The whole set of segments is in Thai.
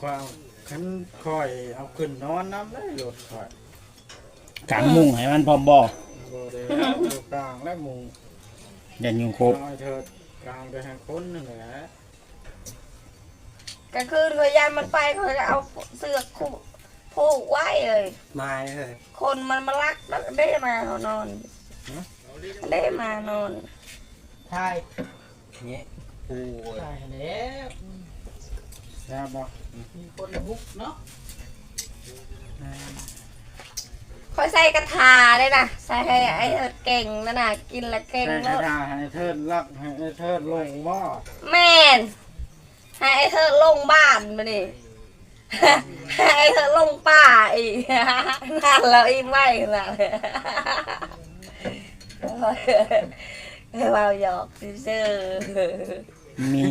ความคันคอยเอาขึ้นนอนน้ำได้รถคอยกางมุ้งให้มันพร้อมบ่บ่ได้เอาอยู่กลางและมุงยันยุงโคบน้อยเถิดกลางไปทางคนนั่นแหละกลางคืนเขายานมันไปเขาจะเอาเสือกผูกไว้เลยมาเลยคนมันมาลักแล้วได้มาเขานอนได้มานอนใช่เนี่ยโอ้ยใช่แล้วแซ่บบ่มีคนบุกเนาะคอยใส่กระถาเลยนะใส่ให้ไอ้เอิดเก่งนั่นน่ะกินแล้วเก่งใส่กแล้ระวดาษให้เทิดรักให้เทิดลงหม้อแม่นให้ไอ้เธอลงบ้านมาดิ ให้ไอ้เธอลงป่าอีก นั่นแล้วอีกไม่นั่นเลยให้เราหยอกซื่อมี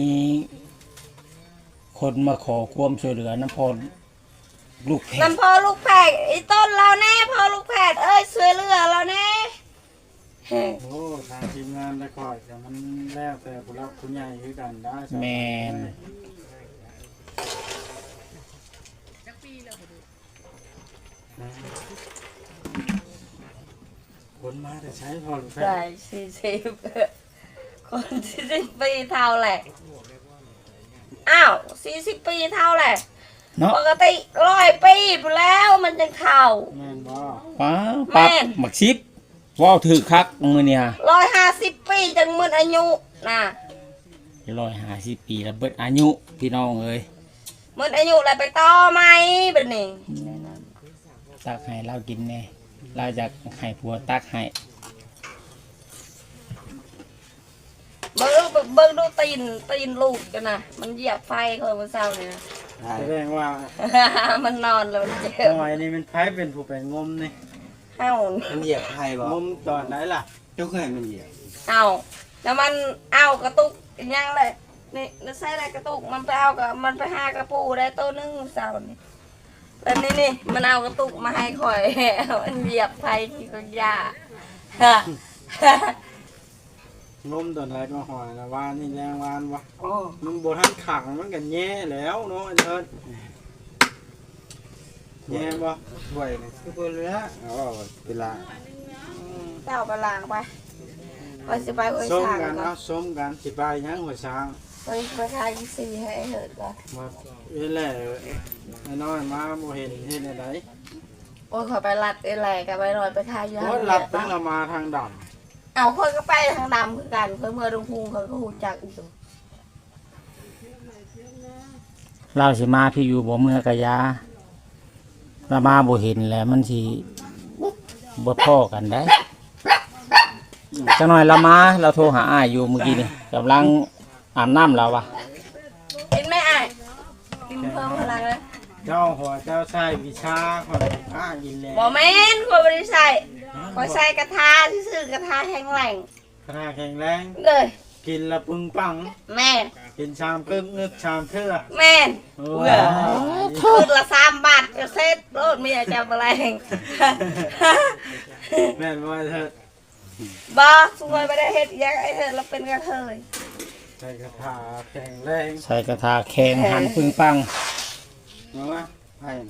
คนมาขอความช่วยเหลือน้ำพรลูกเพชน้ำพอลูกแพกไอ้ต้นเราแน่พอลูกแพกเอ้ยช่วยเหลือเราแน่โอ้ทางทีมงานได้คอยแต่มันแล้วแต่ผู้รักผู้ใหญ่คือกันได้แมนคนมาแต่ใช้พอหรือแฟได้40 คน40 ปีเท่าแหละอ้าว40 ปีเท่าแหละเนาะปกติ100 ปีไปแล้วมันจะเท่าแม่นบ่ป้าปั๊บแม่นหมักชิปว่าวถือคักมือเนี่ย 150 ปีจังหมดอายุนะ 150 ปีแล้วเบิดอายุพี่น้องเอ้ยหมดอายุแล้วไปต่อไหมแบบนี้ตักให้เรากินแน่เราจะให้ผัวตักให้เบิ่งดูตีนลูกกันนะมันเหยียบไฟคนเมื่อเช้าเนี่ยนะแสดงว่ามันนอนแล้วมันเจ็บหน่อยนี่มันไผเป็นผู้ไปงมนี่เอ้ามันเหยียบใครบ่งมตอนไหนล่ะยกให้มันเหยียบเอาแล้วมันเอากระตุกอีกอยังเลยนี่แล้วใส่อะไรกระตุกมันไปเอากับมันไปหากระปูได้ตัวนึงเช้านี่แล้วนี่มันเอากระตุกมาให้ข่อย มันเหยียบไฟที่ก็ยางมตอนไหนก็หอยละวานนี่แรงวานวะโอ้มันบ่ทันขังมันก็แย่แล้วเนาะไอ้เถิดแย่บ่บ่อยนี่คือบ่เหลืออ๋อเวลาเจ้าไปล้างไปไปสิไปห้วยส้มช้างกันก่อเอานส้มกันสิไปยังหัวช้างไปทายสีให้เหิดก่อนมาเอ้แหละไอ้น้อยมาบ่เห็นเฮ็ดอะไรโอ้ยขอไปรัดอะไรกันไปหน่อยไปทายยาโอ้ยหลับตั้งละมาทางดำเอาคนก็ไปทางดำคือกันเพื่อเมื่อดงพุงเขาก็หูจักอีกตัวเราสิมาพี่อยู่บ่เมื่อกะยาเรามาบ่เห็นแล้วมันสิบ่พ้อกันได้จังหน่อยเรามาเราโทรหาอ้ายอยู่เมื่อกี้นี่กำลังอาบน้ำเราวะกินไหมไอ้ายกินเพิ่มพลังเลยเจ้าหัวเจ้าใช้วิชาคนอ้ากินแล้วบอแม่นคนไม่ได้ใส่คอยใส่กระทะที่ซื้อกระทะแข็งแรงขนาดแข็งแรงเลยกินละปึงปังแม่นกินชามกึ่งนึกชามเทื่อแม่นโอ้เบื่อคืนละ3 บาทก็เซ็ตรถเมียจะแรงแม่นว่าเถิดบอสวยไม่ได้เฮ็ดอิหยังไอ้เธอเราเป็นกระเทยใช้กระถาแข็งแรงใส่กระทาแข็งหันปึงปังเนาะไผ่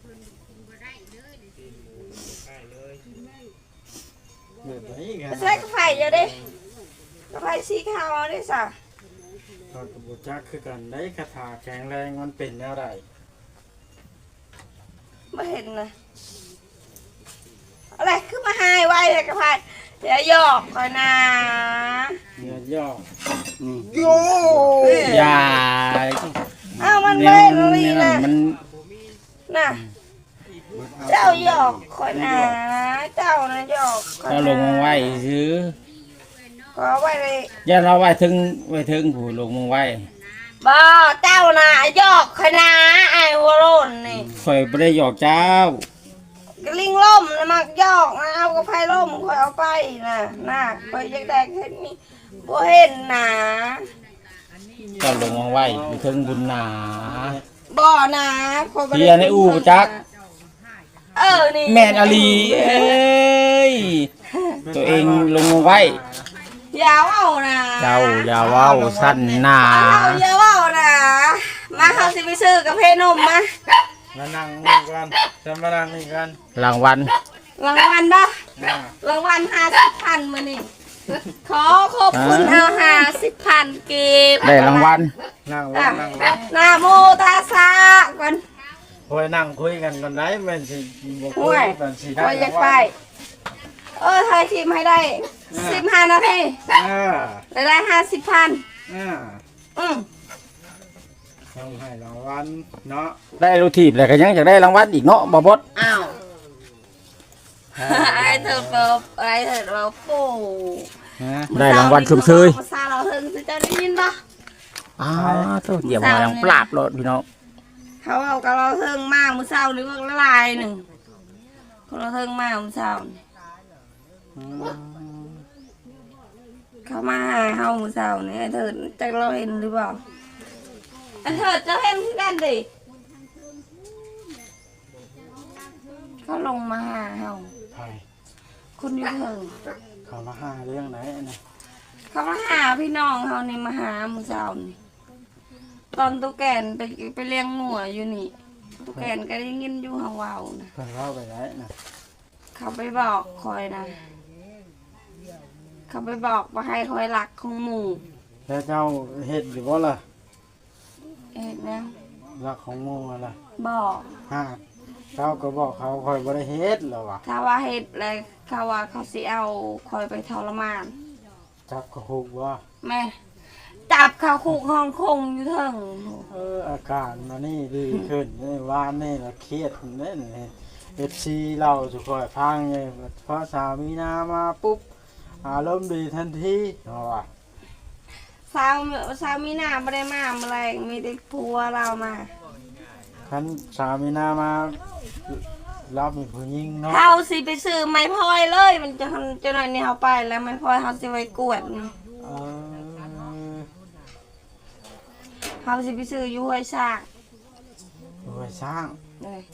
เดือดไหนกันใส่กระไฟเยอะดิกระไฟสีขาวดิสะตอนกระบุจักคือกันได้คาถาแข็งแรงมันเป็นแนวใดไม่เห็นนะอะไรขึ้นมาหายไว้เลยกระไฟอย่าหยอกคอยนะเนื้อย่อโย่อย่าอ้าวมันแนไม่วเลยนั้นะนมันน่ะเจ้าหยอกคอยนะเจ้านะหยอกคอยเรานะลงมาไว้ซื้อขอไว้เลยอย่าเราไว้ถึงผู้ลงมาไว้บ่เจ้านะหยอกคอยนะไอ้หัวโลนนี่ข่อยบ่ได้หยอกเจ้ากระลิงล่มนะมักหยอกนะเอากระไฟล่มคอยเอาไปนะน่ะคอยอยากได้เห็นนี่บ่เห็นนะเจ้าลงมาไว้อยู่ถึงบุญหนาบ่นะคอยบ่ได้เฮียในอู่จักนี่แม่นอลีเอ้ยตัวเองลงมาไว้อย่าเว้านะเจ้าอย่าเว้าสั้นหนาอย่าเว้านะมาเขาสิไปซื้อกาแฟนมมามานั่งนี่กันจะมานั่งนี่กันรางวัลรางวัลบ่รางวัล50,000มื้อนี้ขอขอบคุณเอา50,000กีบได้รางวัลนั่งลงนั่งลงนะโมตัสสะก่อนโอ้ยนั่งคุยกันก่อนได้แม่นสิบ่คุห่วย ยกันสิได้ว่าอยากไปถ่ายคลิปให้ได้15นาที ได้50,000 ต้องให้รางวัลเนาะได้รูทีบแล้วก็ยังอยากได้รางวัลอีกเนาะบ่บดอ้าวไอ้เธอเปิบไอ้เธอเราปูได้รางวัลชุมเชยภาษาเราถึงจะได้ยินปะตัวเดี๋ยวมายังปราบรถพี่น้องเขาเอากับเราเทิงมากมือเศร้าหรือว่าละลายหนึ่งคนเราเทิงมากมือเศร้าเขามาหาเฮามือเศร้านี่ไอ้เธอจะเราเห็นหรือเปล่าไอ้เธอจะเห็นกันดิเขาลงมาหาเฮาใครคนอยู่เถิงเขามาหาเรื่องไหนนะเขามาหาพี่น้องเขานี่มาหามือเศร้านี่ตอนตุ๊กแกนไปเลี้ยงงัวอยู่นี่ตุ๊กแกนก็ได้ยินอยู่เฮาเว้านะเพิ่นเล่าไปไหนนะเขาไปบอกคอยนะ เขาไปบอกว่าให้คอยรักของหมู่แล้วเจ้าเฮ็ดอยู่บ่ล่ะเอ็ดนะรักของหมู่ล่ะบอกฮะเจ้าก็บอกเขาคอยบ่ได้เฮ็ดแล้วว่ะถ้าว่าเฮ็ดเลยเขาว่าเขาสิเอาคอยไปทรมานจับกระหุกว่าแม่จับเขาคุกห้องคงอยู่เถิงอาการมานี่ดีขึ้นนี่วานนี่ละเครียดเล่นFC เราสุขอยพังเลยเพราะสามีนามาปุ๊บอารมณ์ดีทันทีเนาะว่ะสาวมีหน้าไม่ได้มาแมลงมีแต่ผัวเรามาคันสามีนามารับเป็นผู้หญิงเนาะเขาสิไปซื้อไม้พลอยเลยมันจะหน่อยนี่เขาไปแล้วไม้พลอยเขาสิไว้กวดนี่เออเขาสิไปซื้ออยู่ห้วยซากโดยสร้างเลย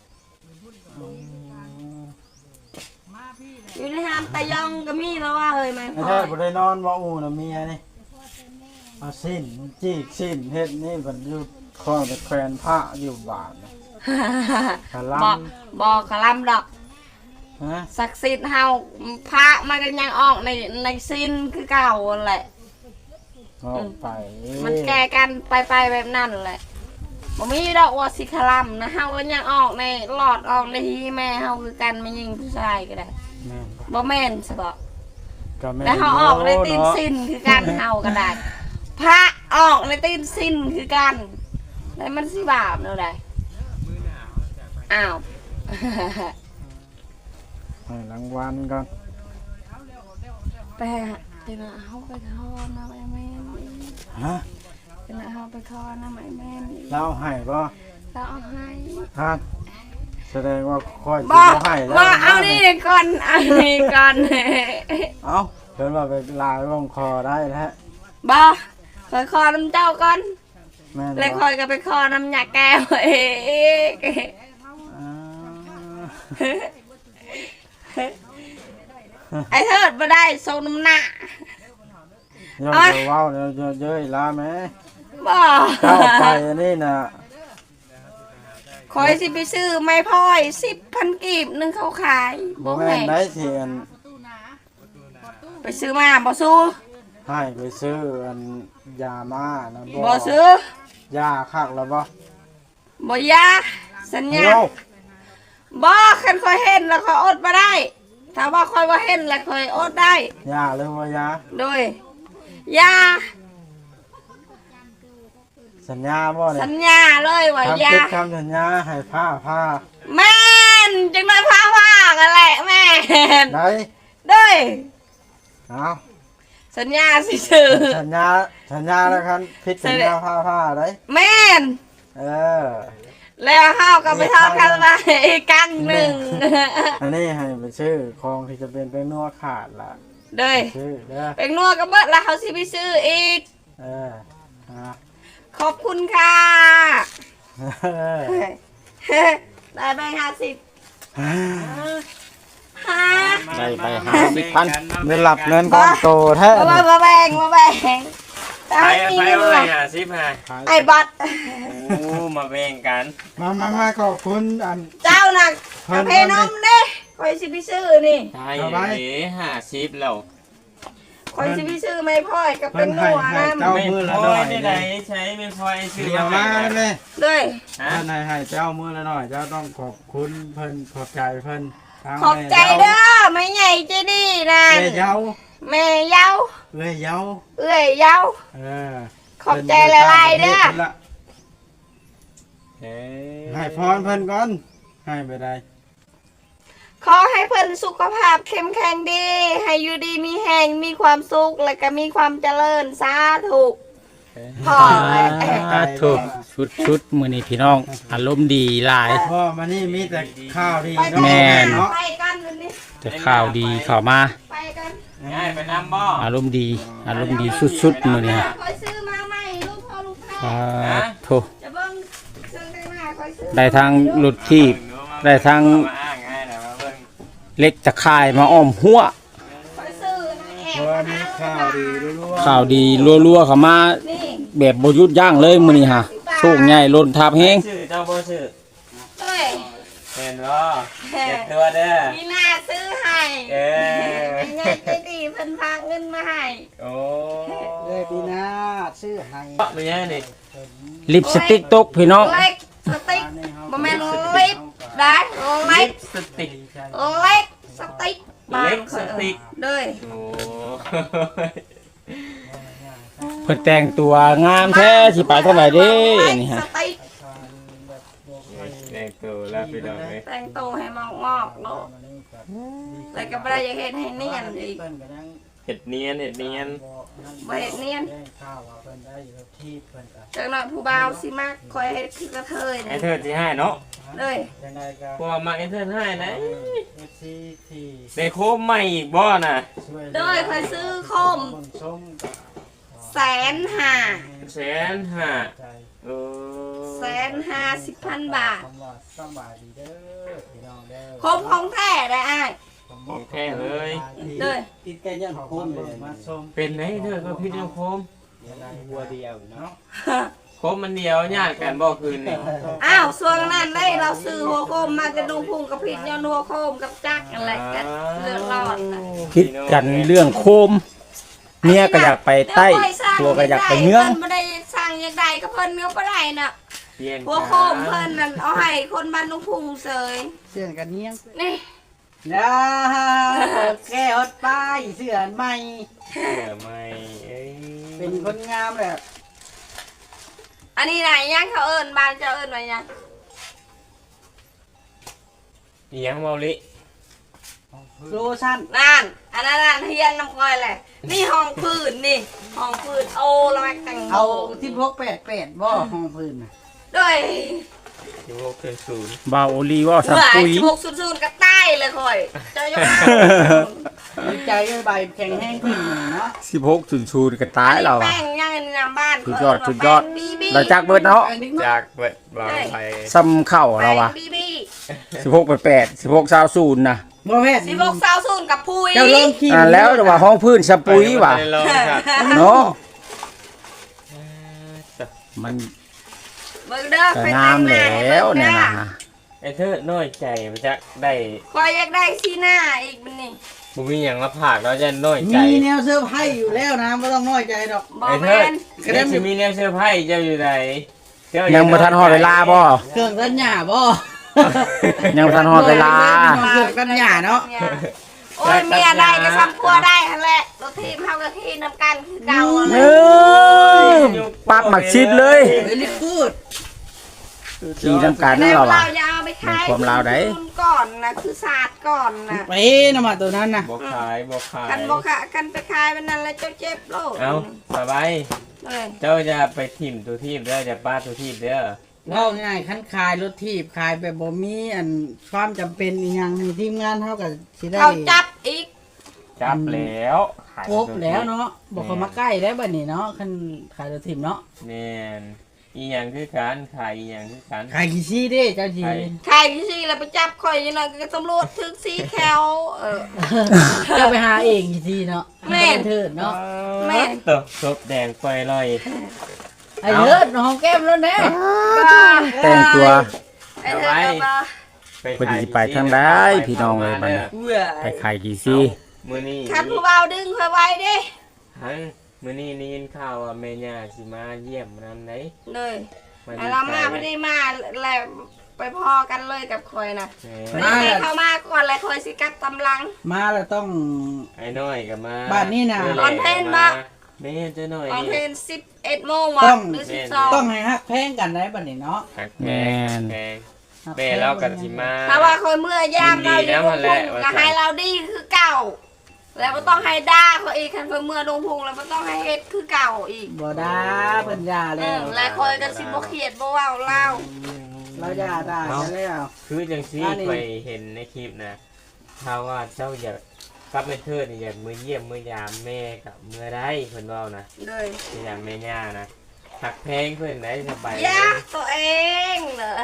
อยู่ในห้ามตะยองก็มีแล้วว่าเฮ้ยไม้พไม่ลอใช่ยบ่ได้นอนบ่อูน่ะเมียนี่เอาสิ้นจีกสิ้นเฮ็ดนี่มันอยู่คอยไปแขวนผ้าอยู่บ้านน่ะคลบอกขลำดอกฮะศักดิ์สิทธิ์เฮาพระมันก็ยังออกในสิ้นคือเก่าแหละออกไปมันแก้กันไปแบบนั้นแหละบ่มีดอกว่าสิขลำนะเฮาก็ยังออกในหลอดออกในที่แม่เฮาคือกันไม่ยิงผู้ชายก็ได้แม่นบ่บ่แม่นสิบอกก็แม่นแล้วเฮาออกในตีนเนาะสิ้นคือกันเฮาก็ได้พระออกในตีนสิ้นคือกันแล้วมันสิบาปเนาะได้อ้าวให้รางวัลก่อนไปเป็นเฮาไปคอนะแม่แม่ฮะเป็นเฮาไปคอนะแม่แม่เล่าให้บ่แล้วเอาให้ฮะแสดงว่าค่อยสิบ่บ่ให้แล้วบ่เอานี่ก่อนเอานี่ก่อนเอ้าเพิ่นว่าไปลายลงคอได้แล้วบ่คอยคอน้ำเจ้าก่อนแม่นแล้วคบ่อยก็ไปคอน้ำยาแก้วเองอ่าไอ้เทิดมาได้ทรงน้ำหนักย้อนจะเว้าเดี๋ยวเยอะๆลาแม่บ่เข้าไปอันนี้น่ะคอยสิไปซื้อไม้พลอย10,000กีบหนึงเขาขายบ่แม่นได้เสียนไปซื้อมาบ่สู้ให้ไปซื้ออันยามานะบ่ซื้อยาคักแล้วบ่บ่ยาสัญญาเดี๋ยวบ่คันคอยเห็นแล้วคอยอดมาได้ ถ้าว่าคอยว่าเห็นแล้วคอยอดได้ยาหรือว่ายาโดยยาสัญญาบ่เนี่สัยญญาเลยว่าทำยาคิดคำสัญญาให้ผ้าแม่นจังได้พากันแหละแม่นไหนเด้ยเอาสัญญาสิซื้อสัญญาแล้วครับพิดสัญญาผ้าได้แม่นเออแล้วเฮาก็ไปทอดกันมาอีกครั้งหนึ่งอันนี้ให้ไปซื้อของที่จะเป็นนัวขาดล่ะเด้ยซื้อเด้อเป็นนัวก็เบิดแล้วเขาสิไปซื้ออีกเอออ่ะขอบคุณค่ะเออได้ไป50ฮะได้ไป50,000 ได้หลับเงินก้อนโตแท้มาแบ่งตาไปยมีไปเงินเอาเลไว้ย 50ฮะไอ้บัตรโอ้มาแบ่งกันมาขอบคุณอันเจ้าน่ะเพิ่กาน แฟนมเด้คอยสิไปซื้อนี่ใช่50แล้วคอยสิไปซื้อไม่พ่อยก็เป็นหนัวนะเจ้ามือละหน่อยได้ไหนใช้ไม่พอไอ้ซื้อเดี๋ยวมาเลยเลยฮะท่านนายให้เจ้ามือละหน่อยเจ้าต้องขอบคุณเพิ่นขอบใจเพิ่นทางขอบใจเด้อไม่ใหญ่ใจดีนั่นเอ้ยเย้าแม่เยาเอ้ยเย้าเอ้ยเยาเออขอบใจหลายๆเด้อเอ้ยให้พรเพิ่นก่อนให้ไปได้ขอให้เพิ่นสุขภาพเข้มแข็งดี ให้อยู่ดีมีแหงมีความสุขและก็มีความเจริญสาธุพ่อเลยถูกชุดมื้อนี้พี่น้องอารมณ์ดีหลายพ่อมานี่มีแต่ข้าวดีไปเนาะแม่นเนาะไปกันวันนี้แต่ข่าวดีเข้ามาไปกันง่ายไปน้ำบ่อารมณ์ดีสุดๆมื้อนี้ฮะคอยซื้อมาใหม่ลูกพ่อลูกแม่โถจะเบิ่งเครื่องแต่งหน้าคอยซื้อได้ทางรถที่ได้ทางเล็กตะข่ายมาอ้อมหัวคอยซื้อนะแอบเพราะว่ามีข้าวดีรั่วข่าวดีรัวๆเข้ามานี่แบบบ่หยุดยั้งเลยมื้อนี้ฮะโชคใหญ่ล้นทับแฮงชื่อเจ้าบ่ชื่อเอ้ยเห็นบ่เก็บตัวเด้อมีหน้าซื้อให้เออไม่ใหญ่ใจดีเพิ่นพาเงินมาให้โอ้ๆเลยปีหน้าชื่อให้ไม่ใช่นี่ลิปสติกตกพี่น้องเล็กสติ๊กบ่แม่นลิปได้เล็กสติกเล็กสติ๊กเล็กสติ๊กเลยโอ้เพิ่นแต่งตัวงามแท้สิไปเท่าไหร่เด้นี่ฮะสติ๊กแรงตัวแล้วพี่น้องเอ้ยแต่งตัวให้มอกๆโลดแต่ก็บ่ได้อยากเฮ็ดให้เนียนอีกเห็ดเนียนบ่เฮ็ดเนียนข้าวว่าเพิ่นได้อยู่ที่เพิ่นก็จักหน่อยผู้บ่าวสิมักคอยเฮ็ดคือกระเทยไอ้นี่เธอสิให้เนาะเลยยังไงก็พวกมาไอ้เธอให้นะ FC ที่ได้โคมใหม่อีกบ่น่ะช่วยเลยคอยซื้อโคมคนส้มกับ 150,000 150,000 ใจโอ้ 150,000 บาทคำว่าสบายดีเด้อพี่น้องเด้อโคมของแท้ได้อ้ายของแท้เลยเลยติดแก่ยันโคมเลยมาส้มเป็นไหนเธอก็พี่น้องโคมบัวเดียวเนาะโคมมันเดียวญาติกันบ่คืนนี่อ้าวส่วนนั้นได้เราซื้อหัวโคมมาจะดูพุงกับผิดย้อนหัวโคมกับจักอะไรกันเลือดร้อนนะคิดกันเรื่องโคมเมียก็อยากไปใต้ตัวก็อยากไปเมืองพิ่นบ่ได้สร้างอย่างใดก็เพิ่นเนื้อบ่ได้น่ะเปลี่ยนหัวโคมเพิ่นนั่นเอาให้คนบ้านลุงพุงเสยเสื้อกันเนี้ยงนี่นะแก้วป้ายเสื้อใหม่เสื้อใหม่เอ้ยเป็นคนงามแบบอันนี้ไหนยังเขาเอิ้นบ้านเจ้าเอิ้นไว้ยังอีหยังเมาลิโลชั่นนั่นอันนั้นน่ะเฮียนน้ำก้อยแหละนี่ห้องพื้นนี่ห้องพื้นโอ้แล้วแม่แต่งเอา1688บ่ห้องพื้นน่ะด้วย 16.0 บ่าวโอลีว่าสับเบื่อปุ๋ย 1600ก็ใต้เลยค่อยเจ้าอย่ามาดีใจด้วยใบแข็งแห้งขึ้นเนาะ 16.0ก็ตายแล้วแป้อะงยังในน้ำบ้านสุดยอดสุดยอดแป้งบีบีเราจักเบิดเนาะจากเปิดบางไปซ้ำเข้าแป้เรางวะบีบี 16.8 16.20นะบ่แม่น 1600กับพุยเจ้าลองขี้แล้วแต่ว่าห้องพื้นสะปุ๋ยว่ะไปลองครับเนาะมันเบิ่งเด้อก็ไปงามแล้วเนี่ยนะไอ้เธอน้อยใจมันจะได้คอยอยากได้สีหน้าอีกมันนี่บ่มีหยังมาผากเราจะน้อยใจมีแนวเสื้อร์ไผ่อยู่แล้วนะไม่ต้องน้อยใจดอกบอไอ้กเธแม่อน เดี๋ยวสิมีแนวเสื้อร์ไผ่เจ้าอยู่ไหนเจ้ายังบ่ทันฮอดเวลาบ่เครื่องกันหยาบ่ยังบ่ทันฮอดเวลาเครื่องกันหยาเนาะโอ้ยเมียได้ก็ซ้ำพัวได้ทั้งแหละรถทีมเฮากับทีมนำกันคือเก่าเออปักหมักชิดเลยเวลิกูดขี่น้ำกันแล้วเราเราอ่ะอย่าเอาไปขายเป็นความลาวได้คือก่อนนะคือศาสตร์ก่อนนะไปนะมาตัวนั้นนะบ่ขายบ่ขายกันบอกค่ะกันไปขายมันนั่นแล้วเจ้าเจ็บโลดเอาสบายเลยเจ้าจะไปทิ่มตัวทีมเด้อจะป้าตัวทีมเด้อเล่าง่ายคันขายรถทีบขายแบบบ่มีอันความจำเป็นอีหยังมีทีมงานเท่ากับสิได้เขาจับอีกจับแล้วขายครบแล้วเนาะบอกเขามาใกล้แล้วบัดนี้เนาะคันขายรถทีบเนาะแน่นอีหยังคือการขายอีหยังคือการขายกี่ซี่เด้เจ้าจีใครที่สิแล้วไปจับข่อยยังไงก็ตำรวจถึกสีแคลเจ้าไปหาเองกี่ซี่เนาะแม่นเถิดเนาะแม่ตบศพแดงไฟลอยไอ้เถิดหอมแก้มแล้วแน่แต่งตัวไอ้เธอก็มาเพิ่นสิไปทางใดพี่น้องเอ้ยบัดนี้ ไปขายกี่ซี่มื้อนี้คันผู้เบาดึงข่อยไว้ดิหังมื้อนี้ได้ยินข่าวว่าแม่ย่าสิมาเยี่ยมนำไหนเลยมาไอ้เรามาไม่ได้มาแล้วไปพอกันเลยกับข่อยนะแหม่ไม่ได้เข้ามาก่อนแล้วข่อยสิกัดตำลังมาแล้วต้องไอ้น้อยก็มาบ้านนี่น่ะตอนเพลงบ่แม่เจ้าน้อยตอนเพลนี่ง11 โมงวะต้องหรือต้อง 12 ให้ฮักแพงกันได้บัดนี้เนาะหักแม่นแพงแม่เรากันสิมาถ้าว่าข่อยเมื่อยามเราอยู่ลงพุงก็ให้เราดีคือเก่า แล้วก็ต้องให้ด่าเขาอีกคันเพิ่นเมื่อลงพุงแล้วก็ต้องให้เฮ็ดคือเก่าอีกบ่ได้เพิ่นยาแล้วแล้วข่อยก็สิบ่เครียดบ่เว้าเล่าเรายาได้แล้วคือจังซี่อันนี้ไปเห็นในคลิปนะถ้าว่าเจ้าอยากกลับไปเทิดนี่อยากมือเยี่ยมมือยามแม่กับมือได้เพิ่นเว้านะเลยมือยามแม่ย่านะหักแพงเพิ่นได้สบายยากตัวเองเหรอ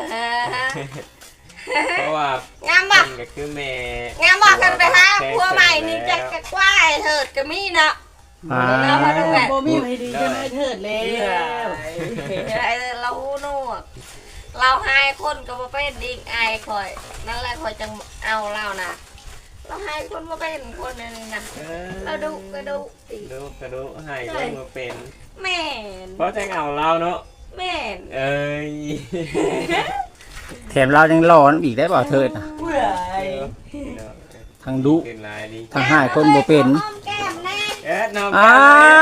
เพราะว่างามบ่เพิ่นก็คือแม่งามบอกกันไปฮะพัวใหม่นี่จะกระกว้ายเถิดก็มีเนาะอ่าบ่มีให้ดีจะไม่เถิดแล้วไอ้เราหูหนวกเราหายคนก็มาเป็นอีกไอ้คอย นั่นแหละคอยจังเอาเรานะเราหายคนมาเป็นคนนึงนะเราดูก็ดูอีกดูกระดูกให้ก็มาเป็นแม่นเพราะจังเอาเราเนาะแม่นเอ้ยแถมเรายังรอน้ำอีกได้บ่เถิดน่ะทั้งดุเป็นลายดีทั้งหายคนบ่เป็นหอมแก้มแน่น้องอ้าว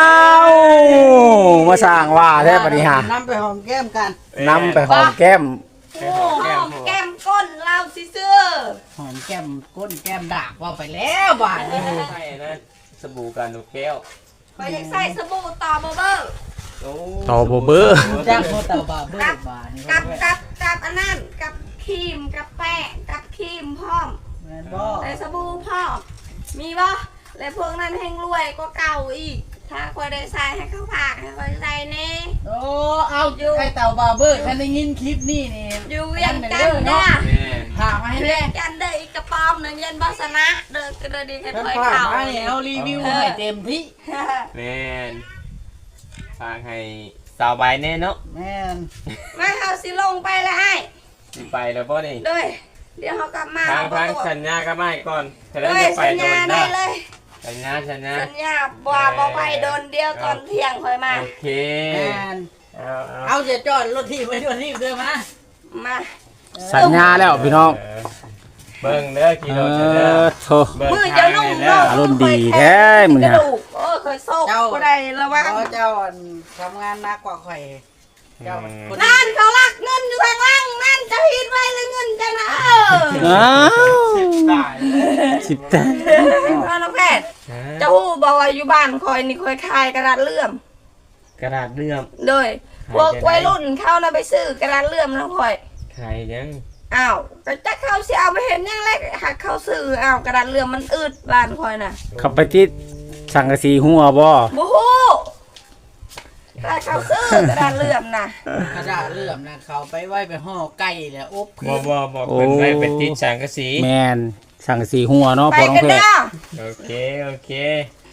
มาสร้างว่าแท้บัดนี้ฮะนำไปหอมแก้มกันนำไปหอมแก้มหอมแก้มก้นเราสิเสื้อหอมแก้มก้นแก้มดากว่าไปแล้วบาดนี้ใช่นะสบู่กันลูกแก้วคอยอยากใส่สบู่ต่อเบอร์โอ้ต่อบ่เบ้อจ้างโมเตาบาเบิร์บาดนี้กับอันนั้นกับครีมกับแป้งกับครีมพร้อมแม่นบ่ใส่สบู่พร้อมมีบ่และพวกนั้นแห้งรวยก็เก่าอีก ถ้าคอยได้ใส่ให้เขาผากให้คอยใส่แน่โอ้เอาอยู่ไอ้เต่าบาเบิร์คันได้ยินคลิปนี่นี่อยู่เวียงจันทน์นะแม่พามาให้เวีแน่ยงจันทน์เด้ออีกกระป๋อมหนึงยันบัสนะเด้อกระดีให้ท่านคอยพาเข่ามาเนี่ยเอารีวิวให้เต็มที่แม่นฝากให้สาวใบแน่เนาะแม่นมาเอาสิลงไปแล้วให้สิไปแล้วป่ะนี่ด้วยเดี๋ยวเขากลับมาทางสัญญาก็ไม่ก่อนจะได้ด้วยจะไปสัญโดญาน ได้นะเลยสัญญาสัญญาบ่ไปโดนเดียวตอนเที่ยงคอยมาโอเคแม่นเอาเอาจะจอดรถที่ไว้รถที่เดินมามาสัญญาแล้วพี่น้องเบิ่งเด้อกิโลเด้อโธเบิ่งมือทาจะงนุ่มนี่เด้ออารมณ์ดีแท้มื้อนี้กระดูกโอ้ยเคยโซกก็ได้แล้วว่าเพราะเจ้าทำงานหนักกว่าข่อยเจ้าคนนั่นเขาลักเงินอยู่ข้างล่างนั่นจะหินไว้แล้วเงินจะนะอ้าวตายสิบแต่พ่อน้องแพทย์เจ้าฮู้บอกว่าอยู่บ้านคอยนี่คอยคายกระดาษเลื่อมกระดาษเลื่อมเลยพวกวัยรุ่นเข้านะไปซื้อกระดาษเลื่อมแล้วคอยใครยังอ้าวแต่จะเข้าสิเอาไปเห็นยังแรกหักเข้าซื้ออ้าวกระดาษเลื่อมมันอืดบ้านคอยน่ะขับไปที่สังกะสีหัวบ่บูฮู้ถ้าเข้าซื้อกระดาษเลื่อมน่ะกระดาษเลื่อมนะเขาไปไว้ไปห่อไก่แล้วอบบ่เพิ่นไปเป็นติดสังกะสีแมนสังกะสีหัวเนาะไปพอน้องกันเพชรเด้อโอเค